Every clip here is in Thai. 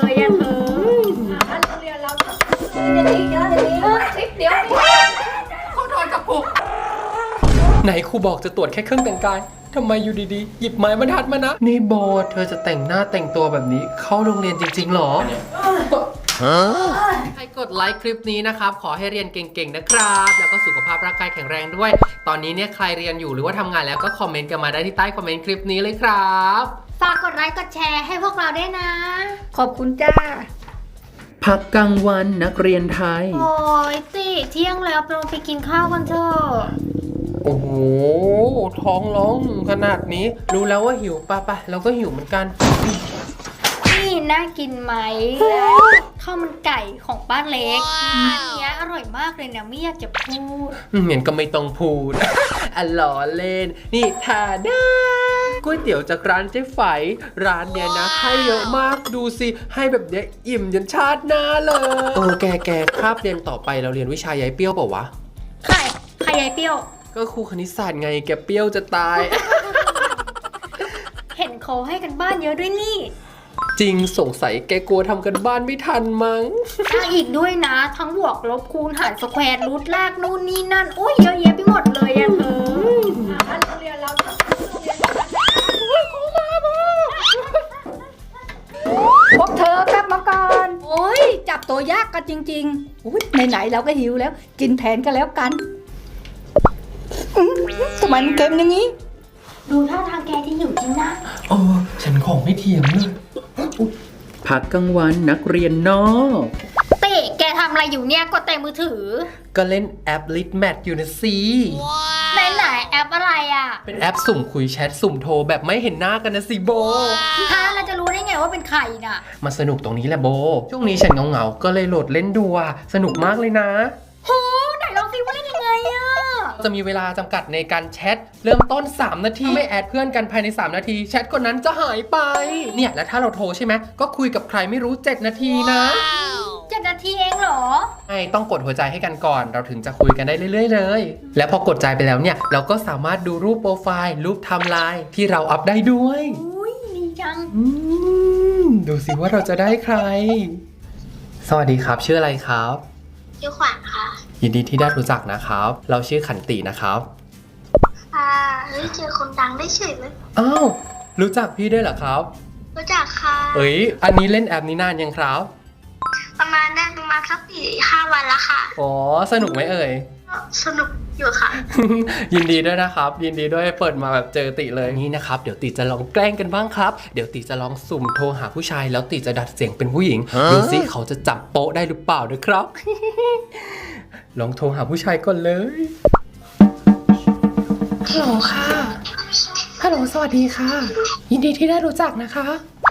เลยอะเธอโรงเรียนเราเดี๋ยวนี้เดี๋ยวเขาโดนกับผมไหนครูบอกจะตรวจแค่เครื่องแต่งกายทำไมอยู่ดีๆหยิบไม้บรรทัดมานะนี่โบเธอจะแต่งหน้าแต่งตัวแบบนี้เข้าโรงเรียนจริงๆหรอใครกดไลค์คลิปนี้นะครับขอให้เรียนเก่งๆนะครับแล้วก็สุขภาพร่างกายแข็งแรงด้วยตอนนี้เนี่ยใครเรียนอยู่หรือว่าทำงานแล้วก็คอมเมนต์กันมาได้ที่ใต้คอมเมนต์คลิปนี้เลยครับฝากกดไลค์กดแชร์ให้พวกเราด้วยนะขอบคุณจ้าพักกลางวันนักเรียนไทยโอ้ยติเที่ยงแล้วเราไปกินข้าวกันเถอะโอ้โหท้องร้องขนาดนี้รู้แล้วว่าหิวป่ะเราก็หิวเหมือนกันนี่น่ากินไหมข้าวมันไก่ของป้าเล็กอันนี้อร่อยมากเลยนะไม่อยากจะพูดเหมือนก็ไม่ต้องพูดอ่ะล้อเล่นนี่ทาด้าก๋วยเตี๋ยวจากร้านเจ๊ไฝร้านเนี้ยนะให้เยอะมากดูสิให้แบบเนี้ยอิ่มยันชาติหน้าเลยแกคาบเรียนต่อไปเราเรียนวิชายายเปรี้ยวเปล่าวะใครยายเปรี้ยวก็ครูคณิตศาสตร์ไงแกเปรี้ยวจะตายเห็นเขาให้กันบ้านเยอะด้วยนี่จริงสงสัยแกกลัวทำกันบ้านไม่ทันมั้งอีกด้วยนะทั้งบวกลบคูณหารสแควร์รูทลากนู่นนี่นั่นโอ้ยเยอะแยะไปหมดเลยอะเธอโรงเรียนเราพวกเธอกลับมาก่อนโอ้ยจับตัวยากกันจริงๆอุ้ยไหนๆเราก็หิวแล้วกินแทนกันแล้วกันทำไมมันเค็มอย่างนี้ดูท่าทางแกที่หิวจริงนะฉันของไม่เทียมเลยพักกลางวันนักเรียนนอกเตะแกทำอะไรอยู่เนี่ยกดแต่มือถือก็เล่นแอป Litmat อยู่นะสิไหนแอปอะไรอ่ะเป็นแอปสุ่มคุยแชทสุ่มโทรแบบไม่เห็นหน้ากันนะสิโบเราจะรู้ได้ไงว่าเป็นใครน่ะมาสนุกตรงนี้แหละโบช่วงนี้ฉันเหงาก็เลยโหลดเล่นดูสนุกมากเลยนะโหไหนลองซิว่าเล่นยังไงอ่ะจะมีเวลาจำกัดในการแชทเริ่มต้น3 นาทีไม่แอดเพื่อนกันภายใน3 นาทีแชทคนนั้นจะหายไปเนี่ยแล้วถ้าเราโทรใช่ไหมก็คุยกับใครไม่รู้7 นาทีนะ 7 นาทีเองเหรอไม่ต้องกดหัวใจให้กันก่อนเราถึงจะคุยกันได้เรื่อยๆเลยแล้วพอกดใจไปแล้วเนี่ยเราก็สามารถดูรูปโปรไฟล์รูปไทม์ไลน์ที่เราอัพได้ด้วยอุ้ยดีจังดูสิว่าเราจะได้ใครสวัสดีครับชื่ออะไรครับชื่อขวัญค่ะยินดีที่ได้รู้จักนะครับเราชื่อขันตินะครับเจอคนดังได้เฉยเลยอ้าวรู้จักพี่ด้วยเหรอครับรู้จักค่ะอันนี้เล่นแอปนี้นานยังครับประมาณสัก4-5 วันแล้วค่ะอ๋อสนุกไหมสนุกอยู่ค่ะยินดีด้วยนะครับยินดีด้วยเปิดมาแบบเจอติเลยนี่นะครับเดี๋ยวติจะลองแกล้งกันบ้างครับเดี๋ยวติจะลองสุ่มโทรหาผู้ชายแล้วติจะดัดเสียงเป็นผู้หญิงดูสิเขาจะจับโป๊ะได้หรือเปล่านะครับ ลองโทรหาผู้ชายก่อนเลยฮัลโหลค่ะฮัลโหลสวัสดีค่ะยินดีที่ได้รู้จักนะคะ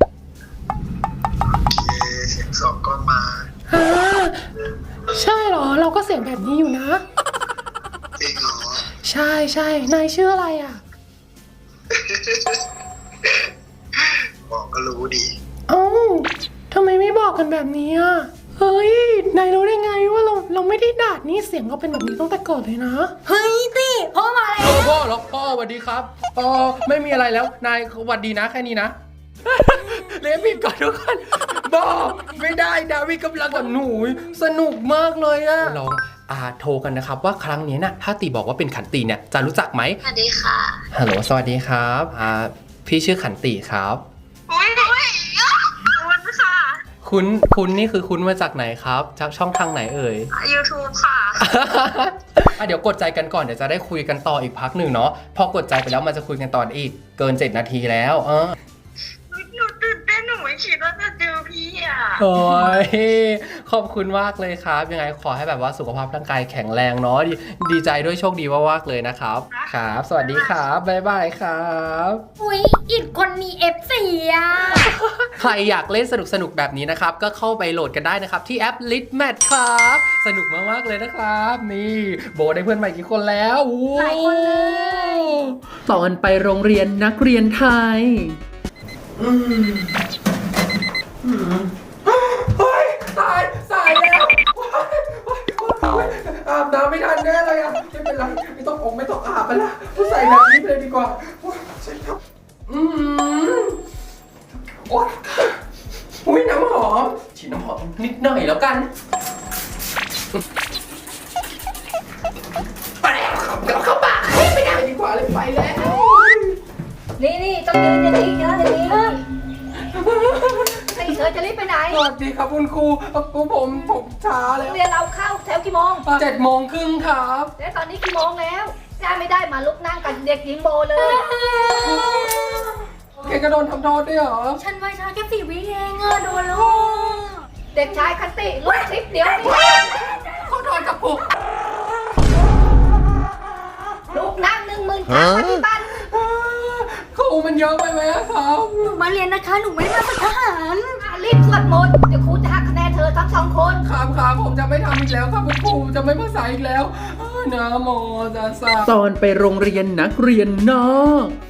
เสียงสองก้อนมาใช่เหรอเราก็เสียงแบบนี้อยู่นะจริงเหรอใช่นายชื่ออะไรอ่ะบอกก็รู้ดีทำไมไม่บอกกันแบบนี้อ่ะเฮ้ยนายรู้ได้ไงว่าเราไม่ได้ด่านี่เสียงเราเป็นแบบนี้ตั้งแต่ก่อนเลยนะเฮ้ยติพ่อมาแล้วพ่อสวัสดีครับไม่มีอะไรแล้วนายสวัสดีนะแค่นี้นะเรียนผิดก่อนทุกคนบอกไม่ได้ดาวิกำลังกับหนูสนุกมากเลยอะลองโทรกันนะครับว่าครั้งนี้นะถ้าตีบอกว่าเป็นขันติเนี่ยจะรู้จักไหมสวัสดีค่ะฮัลโหลสวัสดีครับพี่ชื่อขันติครับค่ะคุณนี่คือคุณมาจากไหนครับจากช่องทางไหนเอ่ย YouTube ค่ะเดี๋ยวกดใจกันก่อนเดี๋ยวจะได้คุยกันต่ออีกพักหนึ่งเนาะพอกดใจไปแล้วมันจะคุยกันต่ออีกเกิน7 นาทีแล้วหนูตื่นเต้นหนูไม่คิดว่าจะเจอพี่โอ้ยขอบคุณมากเลยครับยังไงขอให้แบบว่าสุขภาพร่างกายแข็งแรงเนาะดีใจด้วยโชคดีมากๆเลยนะครับครับสวัสดีครับบ๊ายบายครับอุ้ยอีกคนมี F4 ใครอยากเล่นสนุกแบบนี้นะครับก็เข้าไปโหลดกันได้นะครับที่แอป Litmat ครับสนุกมากๆเลยนะครับนี่โบได้เพื่อนใหม่กี่คนแล้วหลายคนเลยตอนไปโรงเรียนนักเรียนไทยเฮ้ยสายแล้วอาบน้ำไม่ทันแน่เลยอ่ะไม่เป็นไรไม่ต้องอาบไปละใส่แบบนี้ไปเลยดีกว่าใช่ครับโอ๊ยน้ำหำหอมฉีดน้ำหอมนิดหน่อยแล้วกันไปแล้วครับเดี๋ยวเข้าปากไม่ได้ดีกว่าเลยไปแล้วนี่ต้องยืนอย่างนี้นะอย่างนี้ไอ้เธอจะรีบไปไหนสวัสดีครับคุณครูผมช้าแล้วเรียนเราเข้าแถวกี่โมง 7:30ครับแล้วตอนนี้กี่โมงแล้วได้ไม่ได้มาลุกนั่งกับเด็กหญิงโบเลยแกก็โดนทำโทษด้วยเหรอฉันไว้ช้าแค่4 วิเองอะโดนลูกเด็กชายคันติลุกคลิปเดี๋ยวนี้เขาโดนกับผมลูกนั่ง10,000 ครั้งปฏิบัติครูมันเยอะไปไหมครับหนูมาเรียนนะคะหนูไม่ได้มาฝึกทหารรีบสวดมนต์เดี๋ยวครูจะหักคะแนนเธอทั้ง2 คนครับผมจะไม่ทำอีกแล้วครับคุณครูจะไม่มาสายอีกแล้วนะโมตัสสะตอนไปโรงเรียนนักเรียนนอก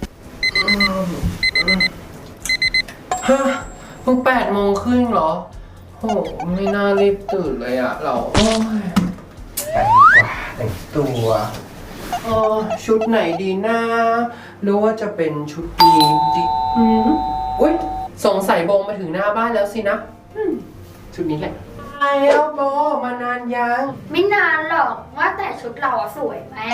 ฮะเพิ่ง8:30เหรอโอ้ไม่น่ารีบตื่นเลยอะเราโอ้ยไปดีกว่าแต่งตัวชุดไหนดีนะหรือว่าจะเป็นชุดนี้ดีอุ้ยสงสัยโบมาถึงหน้าบ้านแล้วสินะชุดนี้แหละแล้วโบมานานยังไม่นานหรอกว่าแต่ชุดเราอะสวยไหม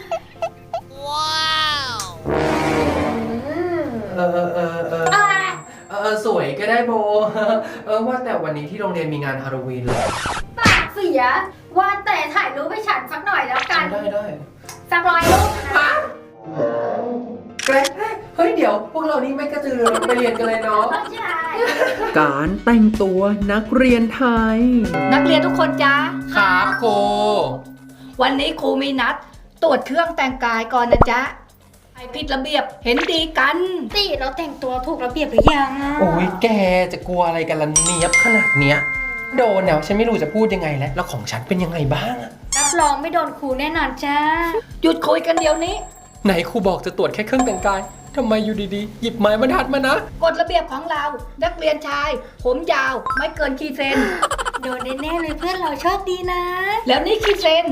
สวยก็ได้โบ ว่าแต่วันนี้ที่โรงเรียนมีงานฮาโลวีนเลยปากเสียว่าแต่ถ่ายรูปให้ฉันสักหน่อยแล้วกันได้สัก100 รูปนะแกรเฮ้ยเดี๋ยวพวกเรานี่ไม่กระตือรือร้นไปเรียนกันเลยเนาะไม่ใช่การแต่งตัวนักเรียนไทยนักเรียนทุกคนจ้าครับโกวันนี้ครูมีนัด ตรวจเครื่องแต่งกายก่อนนะจ๊ะไอผิดระเบียบเห็นดีกันตีเราแต่งตัวถูกระเบียบหรือยังโอ้ยแกจะกลัวอะไรกันล่ะเนียบขนาดเนี้ยโดนแล้วฉันไม่รู้จะพูดยังไงแล้วของฉันเป็นยังไงบ้างอะรับรองไม่โดนครูแน่นอนจ้าหยุดคุยกันเดี๋ยวนี้ไหนครูบอกจะตรวจแค่เครื่องแต่งกายทำไมอยู่ดีๆ หยิบไม้บรรทัดมานะกฎระเบียบของเรา นักเรียนชาย ผมยาวไม่เกินกี่เซนโดนแน่ๆเลยเพื่อนเราโชคดีนะ แล้วนี่กี่เซน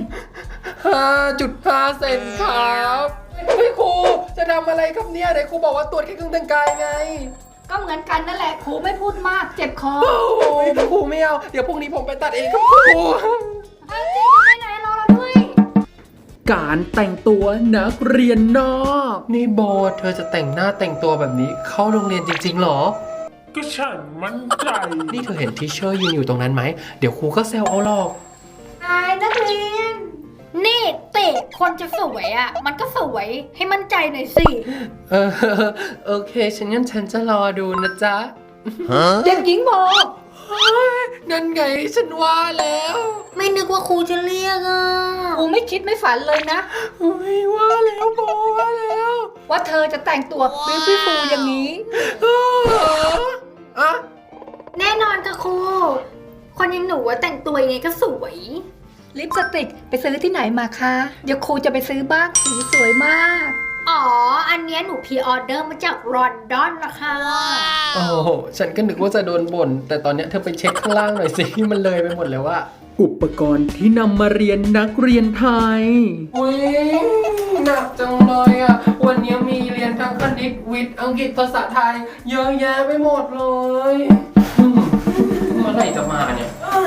5.5 เซนครับเฮ้ยครูจะทำอะไรครับเนี่ยไหนครูบอกว่าตรวจแค่เครื่องแต่งกายไงก็เหมือนกันนั่นแหละครูไม่พูดมากเจ็บคอโอ้ยครูไม่เอาเดี๋ยวพรุ่งนี้ผมไปตัดเองครับครูเอาจริงไปไหนรอเราด้วยการแต่งตัวนักเรียนนอกนี่โบเธอจะแต่งหน้าแต่งตัวแบบนี้เข้าโรงเรียนจริงๆหรอก็ฉันมั่นใจนี่เธอเห็นทีเชอร์ยืนอยู่ตรงนั้นไหมเดี๋ยวครูก็แซวเอาหรอกนายนักเรียน นี่เตะคนจะสวยอ่ะ มันก็สวยให้มั่นใจหน่อยสิเออโอเคงั้นฉันจะรอดูนะจ๊ะเด็กหญิงโบนั่นไงฉันว่าแล้วไม่นึกว่าครูจะเรียกอ่ะครูไม่คิดไม่ฝันเลยนะอุ๊ยว่าแล้วโบว่าแล้วว่าเธอจะแต่งตัวบิวตี้ฟูลอย่างนี้อะแน่นอนค่ะครู คนอยังหนูว่าแต่งตัวยังไงก็สวย ลิปสติกไปซื้อที่ไหนมาคะ เดี๋ยวครูจะไปซื้อบ้างสีสวยมาก อ๋อ อันเนี้ยหนูพรีออเดอร์มาจากลอนดอนนะคะโอ้โหฉันก็นึกว่าจะโดนบ่นแต่ตอนเนี้ยเธอไปเช็คข้างล่างหน่อยสิมันเลยไปหมดแล้วว่าอุปกรณ์ที่นำมาเรียนนักเรียนไทยอุ้ยหนักจังเลยอ่ะ วันนี้มีเรียนทั้งคณิตวิทย์อังกฤษภาษาไทย เยอะแยะไปหมดเลยเมื่อไหร่จะมาเนี่ย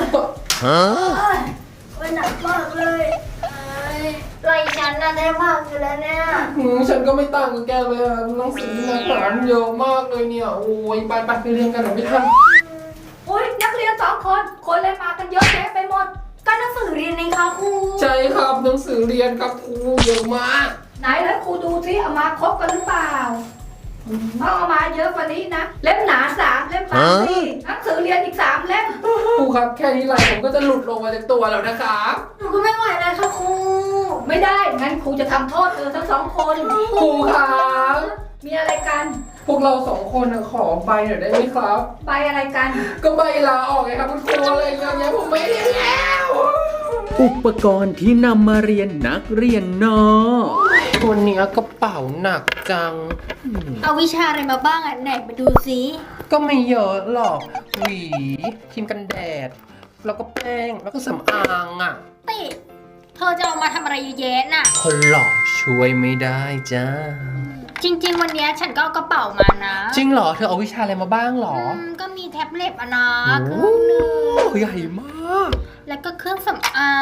หนักมากเลยไรฉันน่ะได้มากอยู่แล้วเนี่ยฉันก็ไม่ต่างกับแกเลยอ่ะหนังสือหนักหนาเยอะมากเลยเนี่ย โอ้ยไปเรียนกันหน่อยไม่ทันอุ้ยนักเรียน2 คน คนเลยมากันเยอะแยะไปหมด ก็หนังสือเรียนในคะครูใช่ครับหนังสือเรียนครับครูเยอะมากไหนแล้วครูดูซิเอามาครบกันหรือเปล่าต้องเอามาเยอะกว่านี้นะ เล่มหนา3 เล่มบางสี่หนังสือเรียนอีก3 เล่มครูครับแค่นี้ไหลผมก็จะหลุดลงมาจากตัวแล้วนะครับหนูก็ไม่ไหวเลยค่ะครู ไม่ได้ งั้นครูจะทำโทษเธอทั้ง2 คนครูครับมีอะไรกันพวกเรา2 คนขอใบหน่อยได้ไหมครับใบอะไรกันก็ใบลาออกไงครับคุณครูอะไรเงี้ยผมไม่เรียนแล้วอุปกรณ์ที่นำมาเรียนนักเรียนนอกวันนี้กระเป๋าหนักจังเอาวิชาอะไรมาบ้างอ่ะไหนมาดูซิก็ไม่เยอะหรอกหวีครีมกันแดด แล้วก็แป้งแล้วก็สำอางอ่ะติเธอจะเอามาทำอะไรเยอะแยะน่ะคนหล่อช่วยไม่ได้จ้าจริง ๆ วันเนี้ยฉันก็เอากระเป๋ามานะจริงเหรอ เธอเอาวิชาอะไรมาบ้างเหรอก็มีแท็บเล็ตอะนะเคโอ้รื่องหนึงใหญ่มากแล้วก็เครื่องสำอาง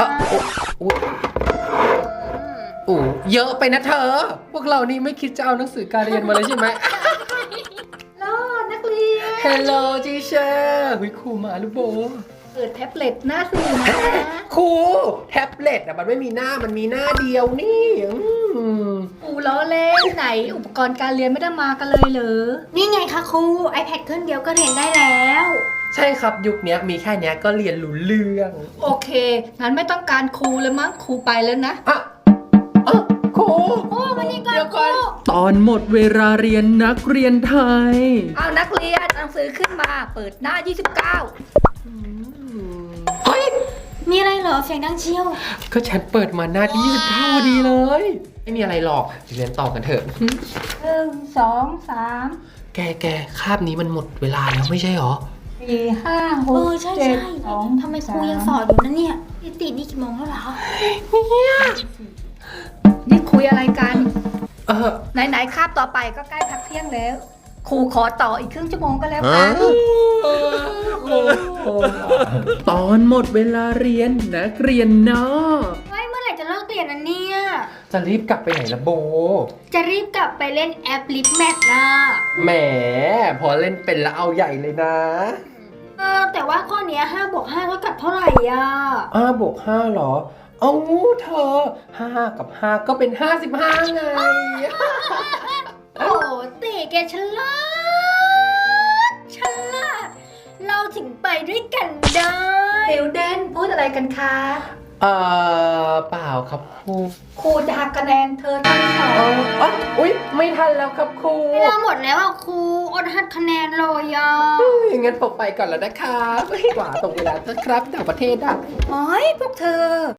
โอ้เยอะไปนะเธอ พวกเรานี่ไม่คิดจะเอาหนังสือการเรียนมาเลยใช่ไหมโลนักเรียน Hello teacher หุยครูมาลูกโบเปิดแท็บเล็ตหน้าสี่นะครูแท็บเล็ตอะมันไม่มีหน้ามันมีหน้าเดียวนี่อูล้อเล่นไหน อุปกรณ์การเรียนไม่ได้มากันเลยเหรอ นี่ไงคะครู iPad เครื่องเดียวก็เรียนได้แล้วใช่ครับยุคนี้มีแค่นี้ก็เรียนรู้เรื่องโอเค งั้นไม่ต้องการครูแล้วมั้งครูไปแล้วนะอ่ะครูโอ้มานี่ก่อนเดี๋ยวคก่รูอนตอนหมดเวลาเรียนนักเรียนไทยเอานักเรียนหนังสือขึ้นมา เปิดหน้า 29 เฮ้ยมีอะไรเหรอเสียงดังเชียวก็ฉันเปิดมาหน้าที่29พอดีเลย ไม่มีอะไรหรอกเรียนต่อกันเถอะ 1 2 3 แกคาบนี้มันหมดเวลาแล้วไม่ใช่หรอ 4 5 6 ใช่ 7 2 ทำไมครูยังสอนอยู่นะเนี่ยพี่ตินี่กี่โมงแล้วเหรอนี่คุยอะไรกันเออไหนๆคาบต่อไปก็ใกล้พักเที่ยงแล้ว ครูขอต่ออีกครึ่งชั่วโมงก็แล้วกันตอนหมดเวลาเรียนนักเรียนนอกเฮ้ยเมื่อไหร่จะเลิกเรียนนะเนี่ยจะรีบกลับไปไหนละโบจะรีบกลับไปเล่นแอปลิฟแมทนะแหมพอเล่นเป็นแล้วเอาใหญ่เลยนะแต่ว่าข้อเนี้ย5 บวก 5 เท่ากับเท่าไหร่อ่ะ 5 บวก 5เหรอ เอาเธอ 5 กับ 5 ก็เป็น 55 ไงโอ้เต๋แกฉลาด เราถึงไปด้วยกันได้เดวเดนพูดอะไรกันคะเปล่าครับครูครูจะหักคะแนนเธอทั้งสองอุ๊ย ไม่ทันแล้วครับครูเวลาหมดแล้วอ่ะครูอดหักคะแนนเลยอ่ะงั้นผมไปก่อนแล้วนะครับกว่าตรงเวลานะครับต่างประเทศอ่ะโอ้ยพวกเธอ